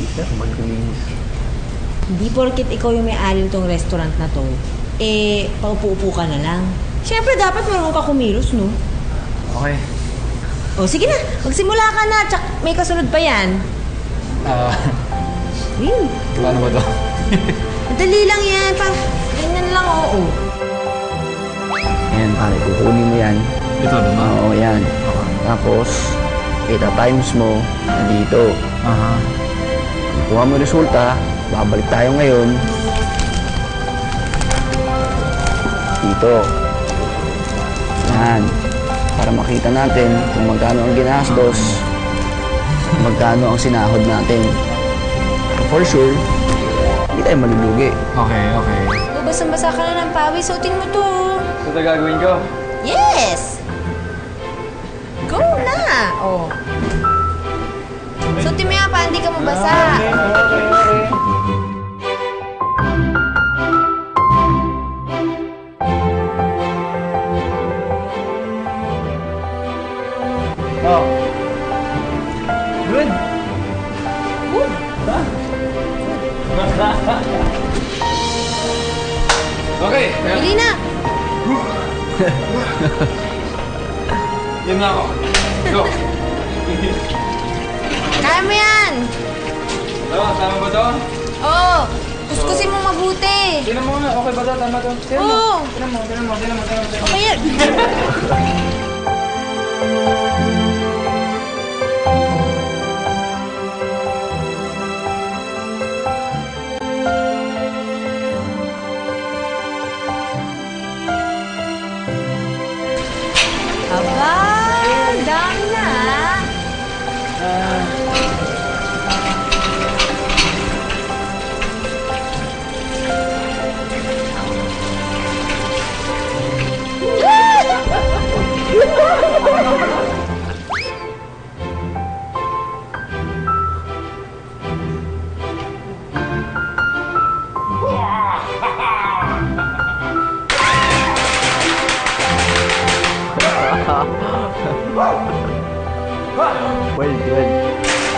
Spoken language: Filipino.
Sir, maglinis. Hindi porket ikaw yung may-ari nitong restaurant na to, eh, paupo-upo ka na lang. Siyempre, dapat marunong ka kumilos, no? Okay. O, sige na. Magsimula ka na. Tsak, may kasunod pa yan. Paano ba to? Madali lang yan. Ganyan lang, oo. Ayan, pare, kukunin mo yan. Ito, diba? Oo, yan. Okay. Tapos, times mo dito. Aha. Kuha mo resulta, babalik tayo ngayon. Dito. Yan. Para makita natin kung magkano ang ginastos, magkano ang sinahod natin. For sure, hindi tayo malulugi. Okay, okay. O, basang-basa ka na ng pawis. Suotin mo to. So, ito gagawin ko? Yes! Go na! Oh. Suotin mo yan pa, hindi ka mabasa. Okay. Oh. Good. Good. Okay. Bili na! Yun na ako. Go. Kaya mo yan! Tama ba to? Oo! Kuskusin mo mabuti! Tignan mo nga. Okay ba to? Tama to? Oo! Tignan mo. Okay yan! Aba! Dami na ah! Well.